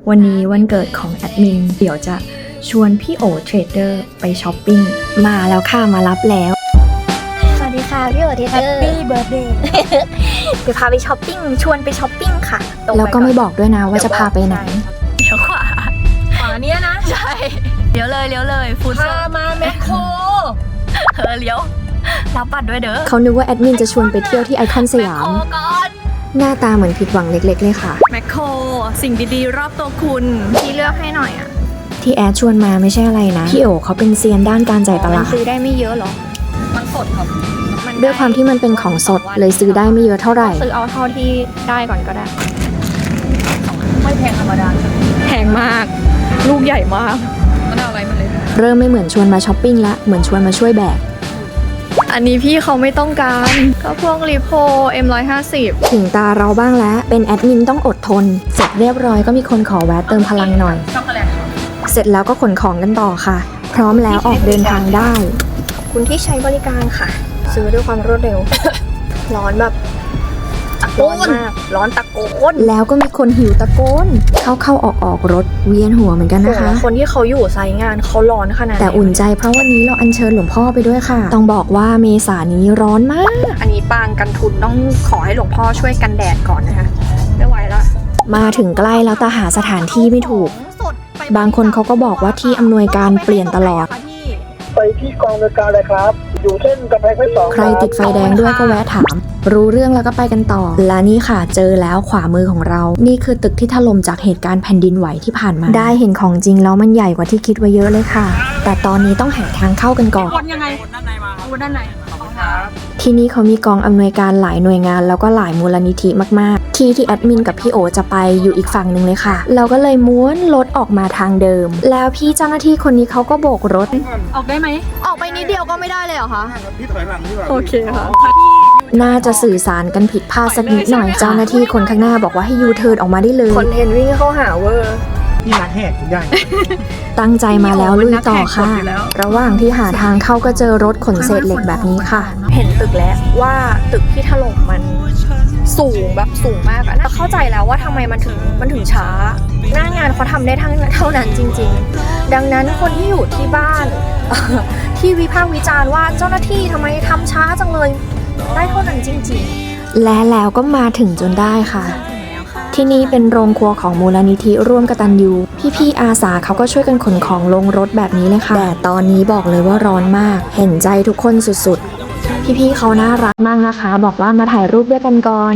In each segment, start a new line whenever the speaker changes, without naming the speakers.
วันนี้วันเกิดของแอดมินเดี๋ยวจะชวนพี่โอเทรดเดอร์ไปช้อปปิ้งมาแล้วค่ะมารับแล้วสวัสดีค่ะพี่โอเทรดเดอร์
Happy birthday
เดี๋ยวพาไปช้อปปิ้งชวนไปช้อปปิ้งค่ะแล้วก็ไม่บอกด้วยนะว่าจะพาไปไหนเดี๋ยวขวาเนี้ยนะใช่เลี้ยวเลยฟูด
พามาแมคโคร
เลี้ยวรับบัตรด้วยเด้อเขานึกว่าแอดมินจะชวนไปเที่ยวที่ไอคอนสยามหน้าตาเหมือนผิดหวังเล็กๆเลยค่ะ
แมคโครสิ่งดีๆรอบตัวคุณพี่เลือกให้หน่อยอ่ะ
ที่แอดชวนมาไม่ใช่อะไรนะพี่โอเขาเป็นเซียนด้านการจ่ายตลาด
ซื้อได้ไม่เยอะหรอมันสดครับ
ด้วยความที่มันเป็นของสดเลยซื้อได้ไม่เยอะเท่าไหร่
ซื้อเอาเท่าที่ได้ก่อนก็ได้ไม่แพงธรรมดาแพงมากลูกใหญ่มากมันเอาอะไรมาเลย
เริ่มไม่เหมือนชวนมาช้อปปิ้งละเหมือนชวนมาช่วยแบก
อันนี้พี่เขาไม่ต้องการก็พวกรีโพ M150
ถึงตาเราบ้างแล้วเป็นแอดมินต้องอดทนเสร็จเรียบร้อยก็มีคนขอแวะเติมพลังหน่อย
ช็อกโกแลต
เสร็จแล้วก็ขนของกันต่อค่ะพร้อมแล้วออกเดินทางได้
ขอบคุณที่ใช้บริการค่ะซื้อด้วยความรวดเร็ว ร้อนแบบร้อนมากร้อนตะโกน
แล้วก็มีคนหิวตะโกนเข้าออกรถเวียนหัวเหมือนกันนะคะ
คนที่เขาอยู่ไซต์งานเขาร้อนขนาด
แต่อุ่นใจเพราะวันนี้เราอัญเชิญหลวงพ่อไปด้วยค่ะต้องบอกว่าเมษายนนี้ร้อนมาก
อันนี้ปางกันทุนต้องขอให้หลวงพ่อช่วยกันแดดก่อนนะคะไม่ไหวละ
มาถึงใกล้แล้วแต่หาสถานที่ไม่ถูกบางคนเขาก็บอกว่าที่อำนวยการเปลี่ยนตลอด
ไปที่กองบริการเลยครับอยู่เส้นกำแพงเพชร2
ใครติดไฟแดงด้วยก็แวะถามรู้เรื่องแล้วก็ไปกันต่อและนี่ค่ะเจอแล้วขวามือของเรานี่คือตึกที่ถล่มจากเหตุการณ์แผ่นดินไหวที่ผ่านมาได้เห็นของจริงแล้วมันใหญ่กว่าที่คิดไว้เยอะเลยค่ะแต่ตอนนี้ต้องหาทางเข้ากันก่อน
วนยังไงวนด้านในมาวนด้านใน
ที่นี่เขามีกองอำนวยการหลายหน่วยงานแล้วก็หลายมูลนิธิมากๆที่แอดมินกับพี่โอจะไปอยู่อีกฝั่งหนึ่งเลยค่ะเราก็เลยม้วนรถออกมาทางเดิมแล้วพี่เจ้าหน้าที่คนนี้เขาก็โบกรถ
ออกได้ไหมออกไปนิดเดียวก็ไม่ได้เลยเหรอคะ
พี่ถอยหลังดีกว่า
โอเคค่ะ
น่าจะสื่อสารกันผิดพลาดสักนิดหน่อยเจ้าหน้าที่คนข้างหน้าบอกว่าให้ยูเทิร์นออกมาได้เลย
คอนเทนต์วิ่งเข้าหาเวอร์
พี่นักแหกทุกอย่าง
ตั้งใจมาแล้วลุยต่อค่ะระหว่างที่หาทางเข้าก็เจอรถขนเศษเหล็กแบบนี้ค่ะ
เห็นตึกแล้วว่าตึกที่ถล่มมันสูงแบบสูงมากอะเข้าใจแล้วว่าทำไมมันถึงช้าหน้างานเขาทำได้เท่านั้นจริงๆดังนั้นคนที่อยู่ที่บ้าน ที่วิพากษ์วิจารณ์ว่าเจ้าหน้าที่ทำไมทำช้าจังเลยได้เท่านั้นจริง
ๆและแล้วก็มาถึงจนได้ค่ะที่นี่เป็นโรงครัวของมูลนิธิร่วมกตัญญูพี่ๆอาสาเขาก็ช่วยกันขนของลงรถแบบนี้เลยค่ะแต่ตอนนี้บอกเลยว่าร้อนมากเห็นใจทุกคนสุดๆพี่ๆเขาน่ารักมากนะคะบอกว่ามาถ่ายรูปด้วยกันก่อน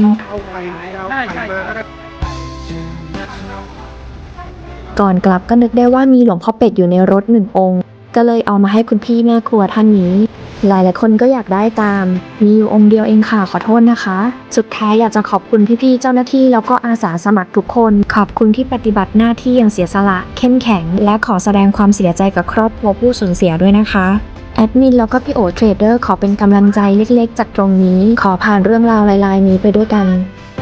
ก่อนกลับก็นึกได้ว่ามีหลวงพ่อเป็ดอยู่ในรถ1 องค์ก็เลยเอามาให้คุณพี่แม่ครัวท่านนี้หลายๆคนก็อยากได้ตามมีอยู่องค์เดียวเองค่ะขอโทษนะคะสุดท้ายอยากจะขอบคุณพี่ๆเจ้าหน้าที่แล้วก็อาสาสมัครทุกคนขอบคุณที่ปฏิบัติหน้าที่อย่างเสียสละเข้มแข็งและขอแสดงความเสียใจกับครอบครัวผู้สูญเสียด้วยนะคะแอดมินแล้วก็พี่โอเทรดเดอร์ขอเป็นกำลังใจเล็กๆจากตรงนี้ขอผ่านเรื่องราวลายๆนี้ไปด้วยกัน